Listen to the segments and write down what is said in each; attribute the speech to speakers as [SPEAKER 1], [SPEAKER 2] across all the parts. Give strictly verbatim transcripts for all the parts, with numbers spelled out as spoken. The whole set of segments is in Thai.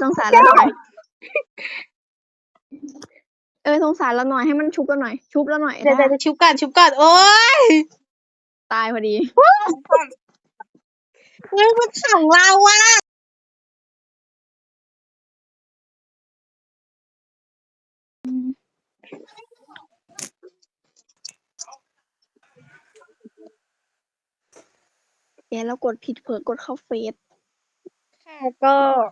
[SPEAKER 1] สงสารเราหน่อยเออสงสารเราหน่อยให้มันชุบเราหน่อยชุบเราหน่อย
[SPEAKER 2] เดี๋ยว
[SPEAKER 1] ได้
[SPEAKER 2] จะชุบก่อนชุบก่อนโอ๊ย
[SPEAKER 1] ตายพอดี
[SPEAKER 2] เฮ้ยมันขังเราอะ
[SPEAKER 1] แกแล้วกดผิดเผลอกดเข้าเฟซ
[SPEAKER 2] ค่ะก็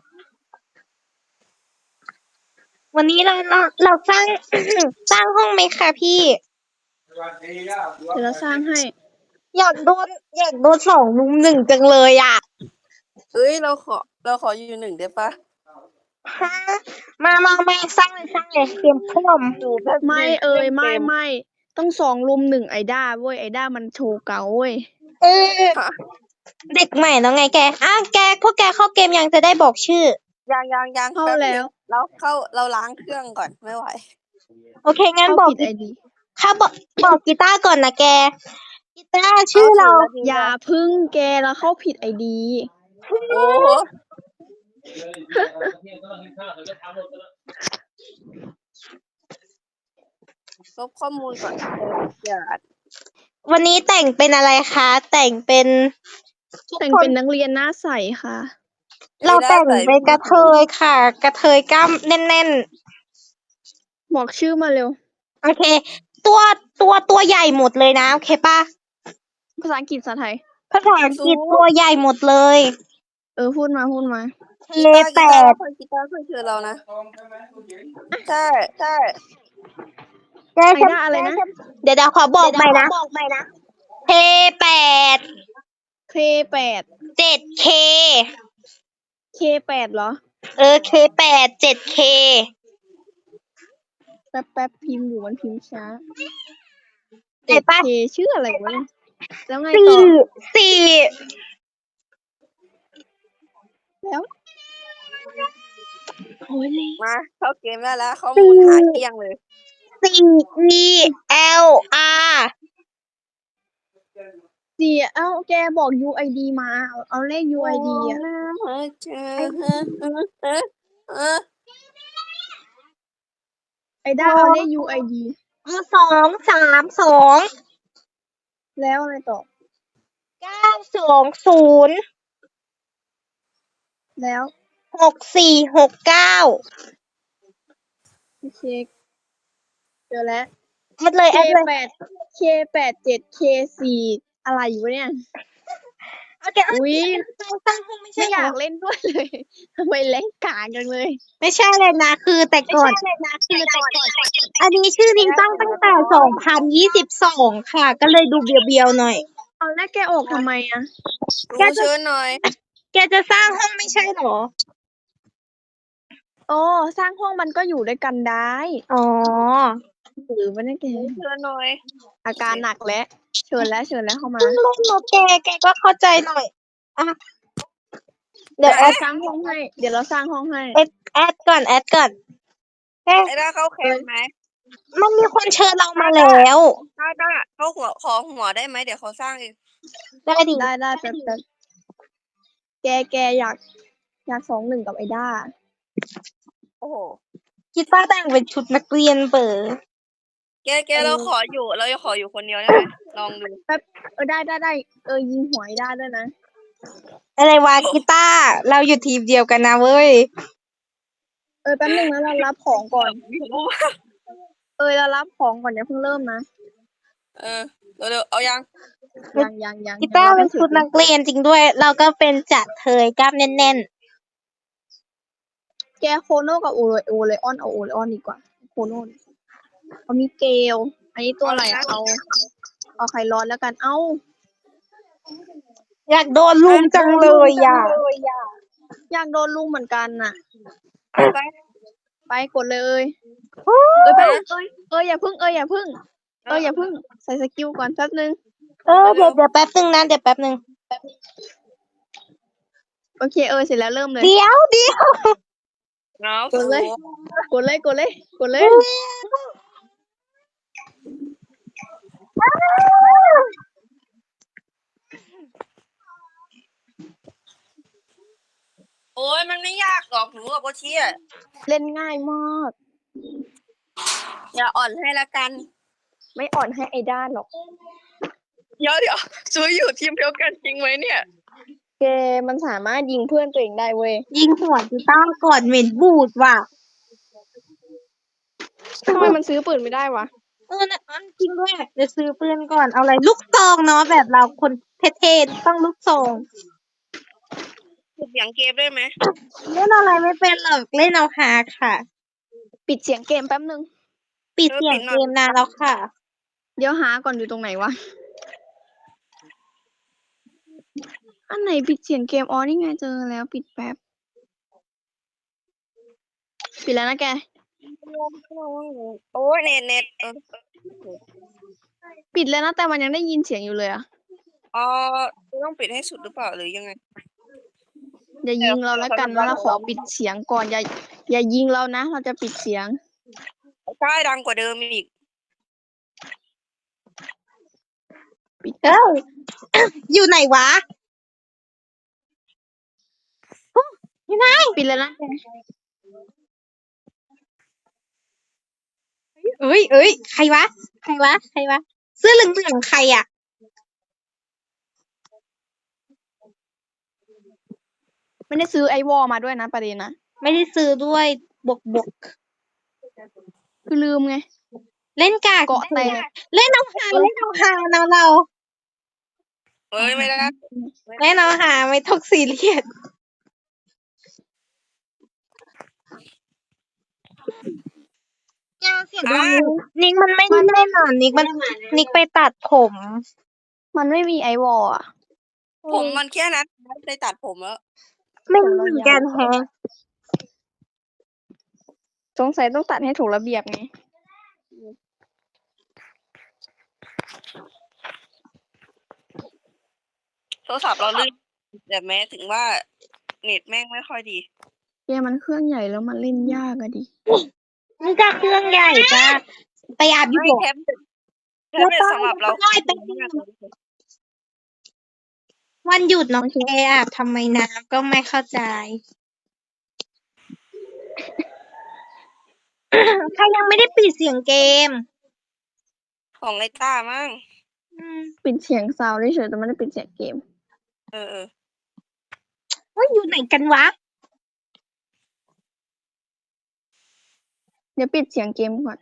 [SPEAKER 2] วันนี้เราเราเราสร้าง สร้างห้องไหมคะพี่
[SPEAKER 1] เดี๋ยวเราสร้างให้
[SPEAKER 2] อยากโดนอยากโดนสองลุมหนึ่งจังเลยอ่ะ
[SPEAKER 3] เอ้ยเราขอเราขออยู่หนึ่งได้ปะ
[SPEAKER 2] ฮะมามามาสร้างเลยสร้างเลยเตรียมพร้อม
[SPEAKER 3] หนูแบบ
[SPEAKER 1] ไม่เอ่ยไม่
[SPEAKER 3] เก
[SPEAKER 1] ไม่ต้องสองลุมหนึ่งไอด้าเว้ยไอด้ามันโชว์เก่าเว้ย
[SPEAKER 2] เออเด็กใหม่แล้วไงแกอ้าวแกพวกแกเข้าเกมยังจะได้บอกชื่อ
[SPEAKER 3] ยังยังยัง
[SPEAKER 1] เข้า
[SPEAKER 3] ป๊บ
[SPEAKER 1] แล้ว
[SPEAKER 3] นึงเราเข้าเราล้างเครื่องก่อนไม่ไหว
[SPEAKER 2] โอเคงั้น
[SPEAKER 1] เข้า
[SPEAKER 2] บอก
[SPEAKER 1] ผิดไอดี
[SPEAKER 2] เข้าบอกบอกกีตาร์ก่อนนะแกกีตาร์ชื่อเรา
[SPEAKER 1] อย่าพึ่งแกแล้วเข้าผิดไอดี
[SPEAKER 3] โอ้โหลบข้อมูลก่อนอย่า
[SPEAKER 2] วันนี้แต่งเป็นอะไรคะแต่งเป็นทุก
[SPEAKER 1] แต่ง
[SPEAKER 2] คน
[SPEAKER 1] เป็นนักเรียนหน้าใสค่ะ
[SPEAKER 2] เราแต่งเป็นกระเทยค่ะ กระเทยกล้ามแน่น
[SPEAKER 1] บอกชื่อมาเร็ว
[SPEAKER 2] ๆโอเค ตัวตัวตัวใหญ่หมดเลยนะโอเคป่ะ
[SPEAKER 1] ภาษาอังกฤษภาษาไทย
[SPEAKER 2] ภาษาอังกฤษตัวใหญ่หมดเลย
[SPEAKER 1] เออพูดมาพูดมา
[SPEAKER 2] เทแปด
[SPEAKER 3] คนกีตาร์เพื่อนคือเรานะใช่ใช่
[SPEAKER 2] แก
[SPEAKER 1] ไอ
[SPEAKER 2] ฉัน
[SPEAKER 1] ด้าอะไรนะ
[SPEAKER 2] เดี๋ยวเดี๋ยวขอบอกใหม่นะเทแปด
[SPEAKER 1] เคแปด
[SPEAKER 2] เจ็ดเค
[SPEAKER 1] เคแปดเหรอ
[SPEAKER 2] เออเคแปดเจ็ดเค
[SPEAKER 1] แป๊บแป๊บพิมพ์อยู่มันพิมพ์ช้า
[SPEAKER 2] เจ็ดป่ะ
[SPEAKER 1] เคชื่ออะไรวะเนี่ยแล้วไง
[SPEAKER 2] สี่
[SPEAKER 1] ต่อ
[SPEAKER 2] สี่
[SPEAKER 1] แล้ว
[SPEAKER 2] โอ้ยเลย
[SPEAKER 3] มาเข้าเกมได้แล้วข้อมูลหาเกลี้ยงเลย
[SPEAKER 2] สี่ E L R
[SPEAKER 1] สี่เอ้าแกบอก ยู ไอ ดี มาเอาเอาเลข ยู ไอ ดี อ่ะ ไอด้าเอาเลข ยู ไอ ดี
[SPEAKER 2] เอาสองสามสอง
[SPEAKER 1] แล้วอะไรต่อ
[SPEAKER 2] เก้าสองศูนย์
[SPEAKER 1] แล้ว
[SPEAKER 2] หกสี่หกเก้า
[SPEAKER 1] เช็คเจอแล้ว
[SPEAKER 2] แอดเลย
[SPEAKER 1] เค
[SPEAKER 2] แอดเลย
[SPEAKER 1] แปด เคแปดเจ็ด เคสี่อะไรอยู่วะเนี่ย
[SPEAKER 2] โอเค
[SPEAKER 1] อุ้ย
[SPEAKER 2] ตั้งตั้งห้องไม่
[SPEAKER 1] ไม่
[SPEAKER 2] ใช่
[SPEAKER 1] อ
[SPEAKER 2] เหร
[SPEAKER 1] ยา
[SPEAKER 2] อก
[SPEAKER 1] เล่นด้วยเลยทำไมเล่นกากจังเลย
[SPEAKER 2] ไม่ใช่เลยนะ คือแต่ก่อน
[SPEAKER 1] คือแต่ก่อน
[SPEAKER 2] อันนี้ชื่อจริงตั้งตั้งแต่สองพันยี่สิบสองค่ะ ก็เลยดูเบียวๆหน่อย
[SPEAKER 1] เอาแล้วแกออกทำไมอ่ะ
[SPEAKER 3] รู้เชิญหน่อย
[SPEAKER 2] แกจะสร้างห้องไม่ใช่เหรอ
[SPEAKER 1] โอ้สร้างห้องมันก็อยู่ด้วยกันได้
[SPEAKER 2] อ๋อ
[SPEAKER 1] หรือไม่ได้แก
[SPEAKER 3] รู้เชิญหน่อย
[SPEAKER 1] อาการหนักแล้วเชิญแล้วเชิญแล้วเข้ามา
[SPEAKER 2] เพิ่งเล่นโนแกแกก็เข้าใจหน่อย อ่ะ เดี๋ยวแอ
[SPEAKER 1] เรา
[SPEAKER 2] ด
[SPEAKER 1] สร้างห้องให้ เดี๋ยวเราสร้างห้องให้
[SPEAKER 2] แอดแอดก่อนแอดก่อนแก
[SPEAKER 3] ไอ้ด้าเข้าแคมป์ไหม
[SPEAKER 2] มันมีคนเชิญเรามาแล้ว
[SPEAKER 3] ด้าด้าเข้าหัวขอหัวได้ไหมเดี๋ยวเขาสร้างเอง
[SPEAKER 2] ได้ดิ
[SPEAKER 1] ได้ได้แป๊บแป๊บแกแกอยาก อยากสองหนึ่งกับไอด้า
[SPEAKER 3] โอ้โห
[SPEAKER 2] คิดว่าแต่งเป็นชุดนักเรียนเบอร์
[SPEAKER 3] แกแกเราขออยู่เราจะขออยู่คนเดียวได้ไหมลองดู
[SPEAKER 1] แป๊บเออได้ได้ได้เออยิงหวยได้ด้วยนะ
[SPEAKER 2] อะไรวะกีตาร์เราอยู่ทีมเดียวกันนะเว้ย
[SPEAKER 1] เออแป๊บนึงนะเรารับของก่อน เออเรารับของก่อนอย่าเพิ่งเริ่มนะ
[SPEAKER 3] เออเร็วๆเอายัง
[SPEAKER 1] ยังยังยัง
[SPEAKER 2] กีตาร์
[SPEAKER 1] ยัง
[SPEAKER 2] เป็น
[SPEAKER 1] ไม่ถึ
[SPEAKER 2] ชุ
[SPEAKER 1] ง
[SPEAKER 2] ดนักเรียนจริงด้วย เราก็เป็นจัดเทยกล้ามแน่น
[SPEAKER 1] แกโคโน่กับโอเลโอเลออนเอาโอเลออนดีกว่าโคโน่เอามีเกลอันนี้ตัวอะไรอะเอา เอาไข่ร้อนแล้วกัน เอ้า
[SPEAKER 2] ๆ อยากโดนลุมจังเลยอ่ะ
[SPEAKER 1] อยากโดนลุงเหมือนกันน่ะ
[SPEAKER 3] ไปไป
[SPEAKER 1] ไปกดเลยเอ้ยไปเอ้ยเอ้ยอย่าพึ่งเอ้ยอย่าพึ่งเอ้ยอย่าพึ่งใส่สกิลก่อนแป๊บนึง
[SPEAKER 2] เออเดี๋ยวเดี๋ยวแป๊บนึงนะเดี๋ยวแป๊บนึง
[SPEAKER 1] โอเคเออเสร็จแล้วเริ่มเลย
[SPEAKER 2] เดี๋ยวเดี๋ยว
[SPEAKER 3] เอา
[SPEAKER 1] กดเลย กดเลยกดเลยกดเลย
[SPEAKER 3] โอโอ้ยมันไม่ยากหรอกหนูกับโบเชีย
[SPEAKER 1] เล่นง่ายมาก
[SPEAKER 3] อย่าอ่อนให้ละกัน
[SPEAKER 1] ไม่อ่อนให้ไอ้ด้านหรอก
[SPEAKER 3] เดี๋ยวเดี๋ยวซูอยู่ทีมเดียวกันจริงไหมเนี่ย
[SPEAKER 1] เกมมันสามารถยิงเพื่อนตัวเองได้เว้ย
[SPEAKER 2] ยิงหัวกีตาร์ก่อนเหม็นบูดว่ะ
[SPEAKER 1] ทำไมมันซื้อปืนไม่ได้วะ
[SPEAKER 2] เออนะอันจริงด้วยจะซื้อปืนก่อนเอาอะไรลูกซองเนาะแบบเราคนเท่ๆต้องลูกซอง
[SPEAKER 3] ปิดเสียงเกมได้ไหม
[SPEAKER 2] เล่นอะไรไม่เป็นหรอกเล่นเอาฮาค่ะ
[SPEAKER 1] ปิดเสียงเกมแป๊บนึง
[SPEAKER 2] ปิดเสียงเกมนานแล้วค่ะ
[SPEAKER 1] เดี๋ยวหาก่อนอยู่ตรงไหนวะ อันไหนปิดเสียงเกม อ๋อ นี่ไงเจอแล้วปิดแป๊บ ปิดแล้วนะแก
[SPEAKER 3] โอ้ยเน็ตเน็ตเออ
[SPEAKER 1] ปิดแล้วนะแต่มันยังได้ยินเสียงอยู่เลยอะ
[SPEAKER 3] อ๋อต้องปิดให้สุดหรือเปล่าหรือยังไง
[SPEAKER 1] อย่ายิงเราแล้วกันนะเราขอปิดเสียงก่อน อย่า อย่ายิงเรานะ เราจะปิดเสียง
[SPEAKER 3] ใช่ดังกว่าเดิมอีก
[SPEAKER 1] ปิด
[SPEAKER 2] เอ้า อยู่ไหนวะอยู่ไหน
[SPEAKER 1] ปิดแล้วนะแก
[SPEAKER 2] เอ้ยเอ้ยใครวะ ใครวะ ใครวะ เสื้อเหลืองๆใครอ่ะ
[SPEAKER 1] ไม่ได้ซื้อไอวอลมาด้วยนะประเด็นนะ
[SPEAKER 2] ไม่ได้ซื้อด้วยบกบก
[SPEAKER 1] คือลืมไง
[SPEAKER 2] เล่นกาก
[SPEAKER 1] เกาะแตก
[SPEAKER 2] เล่นเอาฮาเล่นเอาฮานะเรา
[SPEAKER 3] เอ้ยไม่ได้
[SPEAKER 2] เล่นเอาฮาไม่ต้องซีเรียสอย่าเสียงดังนิกมันไม่ได้เล่นอ่ะนิกมันนิกไปตัดผม
[SPEAKER 1] มันไม่มีไอวอลอะ
[SPEAKER 3] ผมมันแค่นั้นได้ตัดผมแล้ว
[SPEAKER 2] ไม่รู้เหมือนกันแฮะ
[SPEAKER 1] สงสัยต้องตัดให้ถูกระเบียบไง
[SPEAKER 3] โทรศัพท์เราลื่นแต่แม้ถึงว่าเน็ตแม่งไม่ค่อยดี
[SPEAKER 1] เกมมันเครื่องใหญ่แล้วมันเล่นยากอะดิ
[SPEAKER 2] มันก็เครื่องใหญ่จ้าไปอาบอยู่
[SPEAKER 3] ไม่
[SPEAKER 2] บ่
[SPEAKER 3] แท็บเล็ตแท็บเล็ตสำหรับเรา
[SPEAKER 2] ได้ไปวันหยุดน้องแกอาบทำไมน้ำก็ไม่เข้าใจ ใครยังไม่ได้ปิดเสียงเกม
[SPEAKER 3] ของไอต้ามั้ง
[SPEAKER 2] อืม
[SPEAKER 1] ปิดเสียงซาวด์เฉยๆแต่ไม่ได้ปิดเสียงเกม
[SPEAKER 3] เออเออ
[SPEAKER 2] ว่าอยู่ไหนกันวะ
[SPEAKER 1] เดี๋ยวปิดเสียงเกมก่อน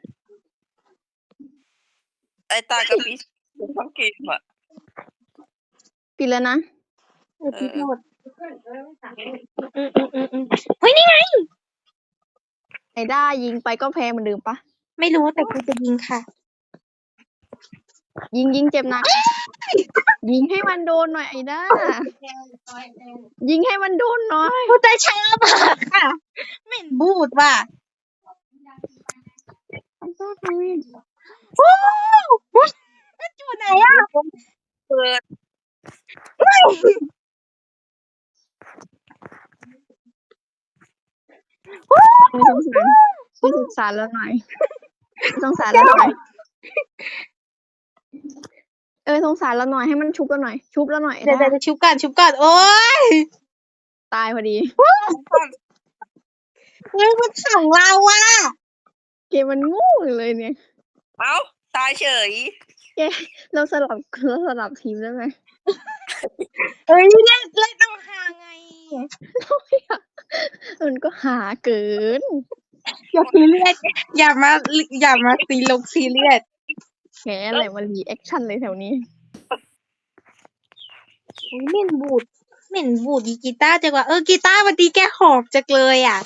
[SPEAKER 3] ไอต้ากับพี่ทั้งเกมอ่ะ
[SPEAKER 1] ปิดแล้วนะ
[SPEAKER 2] เออพี่โทษอืมอืมอืมอืมเฮ้ยนี่ไง
[SPEAKER 1] ไอ้ด้ายิงไปก็แพ้เหมือนเดิมปะ
[SPEAKER 2] ไม่รู้แต่กูจะยิงค่ะ
[SPEAKER 1] ยิงยิงเจ็บหนัก ยิงให้มันโดนหน่อยไอ้ด้า ยิงให้มันโดนหน่อย
[SPEAKER 2] กูจะช้ามากค่ะเหม็นบูดว่ะ
[SPEAKER 1] ไอ้ด้าทำไม
[SPEAKER 2] โอ้มันอยู่ไหนอ่ะ
[SPEAKER 3] เปิด
[SPEAKER 1] ไม่สงสารไม่สงสารแล้วหน่อยไม่สงสารแล้วหน่อย เออสงสารแล้วหน่อยให้มันชุบแล้วหน่อย ชุบแล้วหน่อยไอ้
[SPEAKER 2] เดี๋ยว
[SPEAKER 1] ด้า
[SPEAKER 2] เดี๋ยวชุบก่อนชุบก่อนโอ้ย
[SPEAKER 1] ตายพอดี
[SPEAKER 2] เฮ้ยมันขังเราอ่ะ
[SPEAKER 1] เกมมันงูเลยเนี่ย
[SPEAKER 3] เอ้าตายเฉย
[SPEAKER 1] แกเราสลับเราสลับทีมได้ไหม
[SPEAKER 2] เอ้ยเล่นเล่นเอาหาไง
[SPEAKER 1] มันก็หาเกิน
[SPEAKER 2] อย่าซีเรียสอย่ามาอย่ามาซีลงซีเรียส
[SPEAKER 1] แหมอะไรมารีแอคชั่นเลยแถวนี้
[SPEAKER 2] อุ๊ยเหม็นบูดเหม็นบูดอีกีตาร์จังว่าเออกีตาร์วันนี้แกหอบจังเลยอ่ะ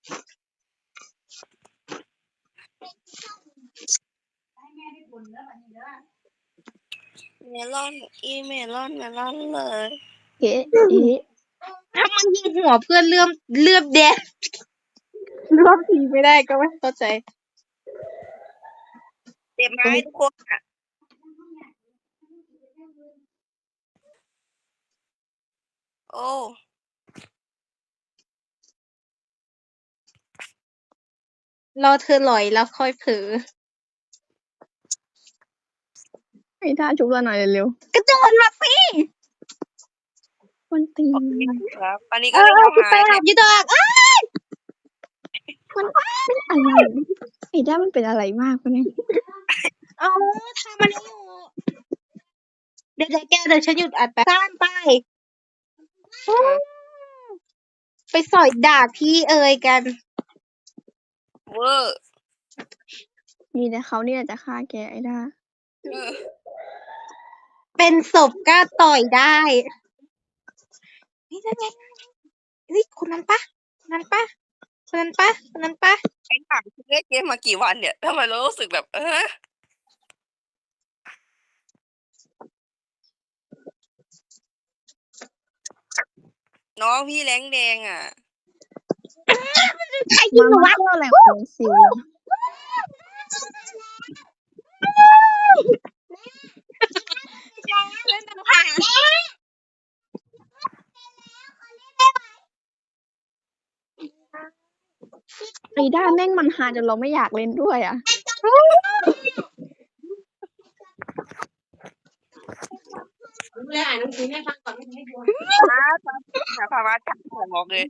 [SPEAKER 3] เมลอนอีเมลอนเมลอนเลย
[SPEAKER 1] เอ๊ะเอ๊ะ
[SPEAKER 2] ถ้ามันยิงหัวเพื่อนเลื่อมเลื่อมแดงเลื่อมทีไม่ได้ก็ไม่เข้าใจ
[SPEAKER 3] เจ็บไหมทุกคนอ่ะโอ้
[SPEAKER 2] รอเธอหลอยแล้วค่อยเผลอ
[SPEAKER 1] ให้ท่าชุบเราหน่อยเร็ว
[SPEAKER 2] กระโจนมาสิ
[SPEAKER 1] ๆโอคนตี
[SPEAKER 3] โอน เคครับอันนี้
[SPEAKER 2] เอ
[SPEAKER 3] ก็
[SPEAKER 2] อ
[SPEAKER 3] เรียก
[SPEAKER 2] เออ
[SPEAKER 3] ว่า
[SPEAKER 2] กูไป
[SPEAKER 3] หาย
[SPEAKER 2] อาบอยู่ดอกอ้า
[SPEAKER 1] มันเป็นอะไรไอ้ด้ามันเป็นอะไรมากวะเนี่ย
[SPEAKER 2] เอาทำมันอยู่เดี๋ยวแกเดี๋ยวฉันหยุดอัดแป๊บสั้นไปไปสอยด่าพี่เอ๋ยกัน
[SPEAKER 3] เวอร์
[SPEAKER 1] มีแต่เขาเนี่ยจะฆ่าแกไอ้ด้า
[SPEAKER 3] เออ
[SPEAKER 2] เป็นศพกล้าต่อยได้นี่นั่นไงเฮ้ยคนนั้นปะคนนั้นปะคนนั้นปะคนนั้นปะ
[SPEAKER 3] ไอ้ถามเล่นเกมมากี่วันเนี่ยทำไมเรารู้สึกแบบ เออน้องพี่แรงแดงอ่ะ
[SPEAKER 2] ใครยิง
[SPEAKER 1] มัน
[SPEAKER 2] หนู
[SPEAKER 1] มาว
[SPEAKER 2] ะ
[SPEAKER 1] เที่ยวแหล่งของซิว
[SPEAKER 2] เล่นต่างหาก
[SPEAKER 1] ไอ้ด้าแม่งมันหาจนเราไม่อยากเล่นด้วยอ่ะ
[SPEAKER 4] เลยอ่านหนังสือให้ฟังก่อนไม่ให้ดู
[SPEAKER 3] นะหาพามาจับผมบอกเลย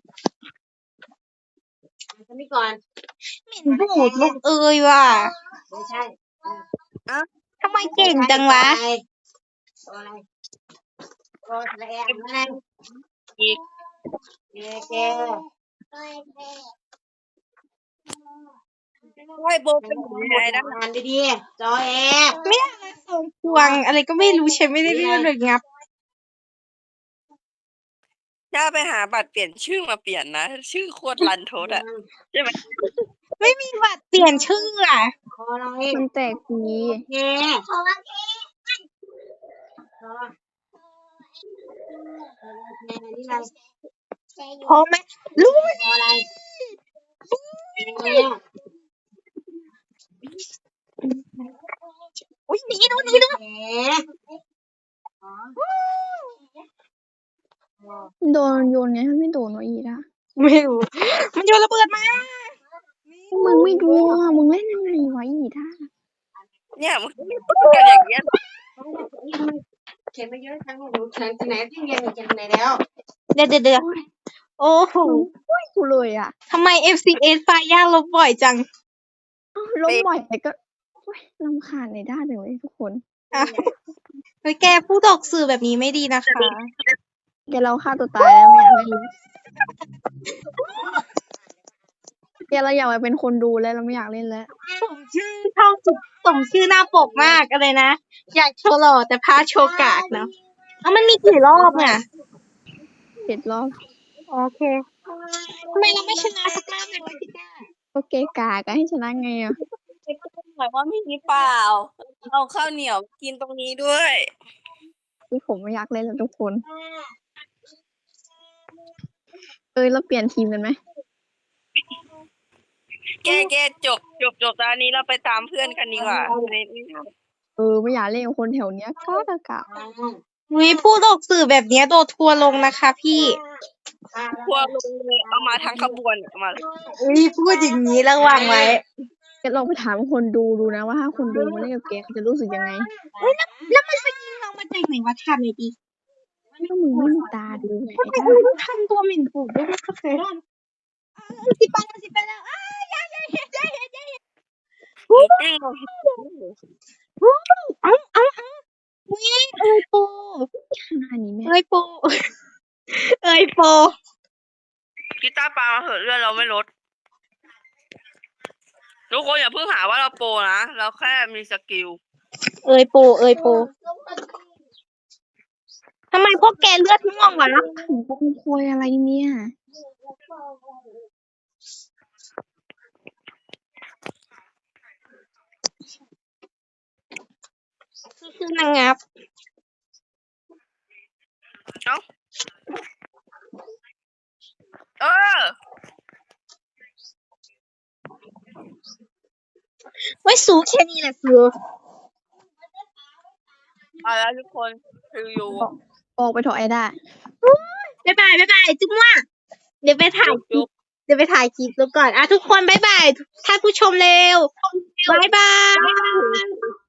[SPEAKER 4] อ่านกันนี้ก่อน
[SPEAKER 2] เหม็นบูดลูกเอ๋ยว่ะ
[SPEAKER 4] ไม่ใช่
[SPEAKER 2] ทำไมเก่งจังวะ
[SPEAKER 4] ตัวอะไรตัวอะไรตัวอะไรอะไร
[SPEAKER 3] อีก
[SPEAKER 4] เกเก
[SPEAKER 3] ให้โบเป็นหนูยังไงนะ
[SPEAKER 4] อ่านดีๆจอแอ
[SPEAKER 2] ไม่เอามาส่งพวงอะไรก็ไม่รู้ฉันไม่ได้เรื่องเลยงับ
[SPEAKER 3] ถ้าไปหาบัตรเปลี่ยนชื่อมาเปลี่ยนนะ ชื่อโคตรรันทดอ่ะใช่ไหม
[SPEAKER 2] ไม่มีบัตรเปลี่ยนชื่ออ่ะ
[SPEAKER 4] คออะไร
[SPEAKER 1] มันแตกดี
[SPEAKER 4] เกคอเกคอเกนี่อะไร
[SPEAKER 2] พอไหมรู้
[SPEAKER 4] คออะไรเก
[SPEAKER 2] อุ้ยหนีดูหนีดู
[SPEAKER 4] เก
[SPEAKER 1] โดนโยนไงมันไม่โดนวะอีด้า
[SPEAKER 2] ไม่รู้มันโยนระเบิดมา
[SPEAKER 1] มึงไม่ดูอ่ะมึงเล่นยังไงวะอีด้า
[SPEAKER 3] เนี่ยมันกันอย่างเงี้ย
[SPEAKER 4] เขียนไปเยอะทั้งหนูเขียนที่ไหนที่เรียนเขียนที่ไหนแล้ว
[SPEAKER 2] เดี๋ยวเดี๋ยวเดี๋ยวโอ้โห
[SPEAKER 1] ไม่กูเลยอ่ะ
[SPEAKER 2] ทำไม เอฟ ซี เอส ไฟย่าลบบ่อยจัง
[SPEAKER 1] อ้าวล้มบ่อยแต่ก็โอ๊ยรำคาญในด้าจังเลยทุกคน
[SPEAKER 2] อ่ะเฮ้ยแกพูดออกสื่อแบบนี้ไม่ดีนะคะ
[SPEAKER 1] แกเราฆ่าตัวตายแล้วไม่อยากเล่นเลยแกเราอยากไปเป็นคนดูแล้วเราไม่อยากเล่นแล้ว
[SPEAKER 2] สมชื่อช่องสุดสมชื่อหน้าปกมากอะไรนะ อยากโชว์หล่อแต่พาโชว์กากเนาะเอามันมีกี่รอบอ่ะ
[SPEAKER 1] เจ็ดรอบ
[SPEAKER 2] โอเคทำไมเราไม่ชนะสักรอบเลยวะพี่ก้า
[SPEAKER 1] โอเคกาก็ให้ชนะไงอ่ะ
[SPEAKER 3] หมายว่าไม่มีเปล่าเอาข้าวเหนียวกินตรงนี้ด้วย
[SPEAKER 1] คือผมไม่อยากเล่นแล้วทุกคน เอ้ยเราเปลี่ยนทีมกันไหม
[SPEAKER 3] แกแกจบจบจบตอนนี้เราไปตามเพื่อนกันดีกว่าใน
[SPEAKER 1] เออไม่อยากเล่นกับคนแถวเนี้ยกากากา
[SPEAKER 2] วิพูดออกสื่อแบบเนี้ยโดนทัวร์ลงนะคะพี่
[SPEAKER 3] พวกลงเลยเอามาทั้งขบวนเอามา
[SPEAKER 2] วิพูดอย่างนี้ระวังไว้
[SPEAKER 1] แกลองไปถามคนดูดูนะว่าถ้าคนดูมาเล่นกับแกเขาจะรู้สึกยังไง
[SPEAKER 2] แล้วมันไปยิงเรามาจากไหนวะทำเลยดิ
[SPEAKER 1] ก็มึงไม่มีตาดูไง
[SPEAKER 2] ทำไม
[SPEAKER 1] ไอ้
[SPEAKER 2] กู
[SPEAKER 1] ด้า
[SPEAKER 2] ต้องทำตัวหมิ่นฝูงด้วยนะคะเฟรนสิบไปแล้วสิบไปแล้วอ้ายยายยายยายยายยาย
[SPEAKER 3] หมูปิ้ง
[SPEAKER 2] เอ้าเอ้าเอ้าวิเอ้ยโป
[SPEAKER 1] ขนาดนี้แม่
[SPEAKER 2] เอ้ยโปเอ้ยโป
[SPEAKER 3] กีตาร์ปลามาเถอะเลือดเราไม่ลดทุกคนอย่าเพิ่งหาว่าเราโปรนะเราแค่มีสกิล
[SPEAKER 2] เอ้ยโปเอ้ยโปทำไมพวกแกเลือดม่วงวะ
[SPEAKER 1] ถึงปงโคยอะไรเนี่ย
[SPEAKER 2] คือนางงับ
[SPEAKER 3] เอ้าเออ
[SPEAKER 2] ไว้สูแค่นี้แหละสู
[SPEAKER 3] เอาแล้วทุกคนคืออยู่
[SPEAKER 1] ออกไปเถอะไอ้ด้า
[SPEAKER 2] บ๊ายบายบ๊ายบายจุ๊บว่าเดี๋ยวไปถ่ายคลิปเดี๋ยวไปถ่ายคลิปแล้วก่อนอ่ะทุกคนบ๊ายบายท่านผู้ชมเร็วบ๊ายบาย